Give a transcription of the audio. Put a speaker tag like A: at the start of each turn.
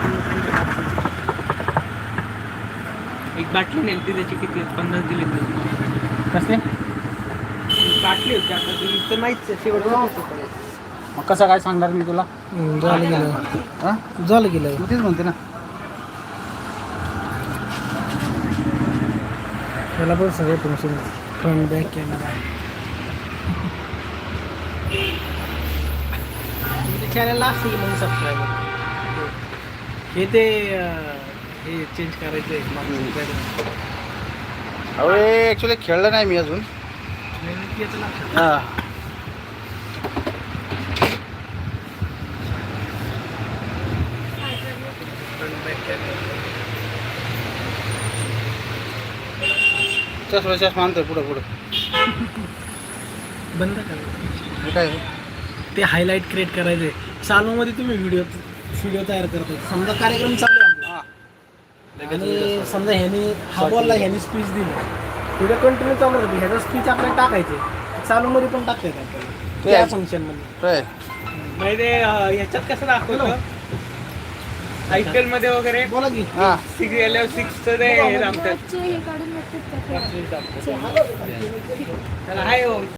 A: एक बाटली नेलती त्याची किती 50 दिले
B: कसले
A: बाटली होती आता ती तर माहितीच शेवटचं होतं.
B: मग कसं काय सांगणार मी तुला
C: झालं गेलं
B: हां
C: झालं गेलं
B: तू तेच म्हणते ना
C: त्याला पण सगळे तुमचे फ्रंट बॅक कॅमेरा
A: चॅनलला असेल म्हणून सबस्क्राईबर हे ते हे चेंज करायचं आहे
B: अहो ॲक्च्युली खेळलं नाही मी अजून हां चष्मा मानतोय पुढं पुढं
A: बंद करा
B: हे काय
C: ते हायलाईट क्रिएट करायचे चालूमध्ये तुम्ही व्हिडिओ तयार करता समजा कार्यक्रम चालू आहे आपला. आणि समजा ह्याने हा बोलला ह्याने स्पीच दिली व्हिडिओ कंटिन्यू चालू होती ह्याचा स्पीच आपल्याला टाकायचे चालूमध्ये पण टाकता येतात आपल्याला त्या फंक्शनमध्ये
B: काय
A: म्हणजे ह्याच्यात कसं दाखवलं IPL मध्ये वगैरे
C: बोला की
B: हां
A: सिरियल 6 ते हे रामतात
D: हे काढून नक्कीच
A: त्याला आहे हो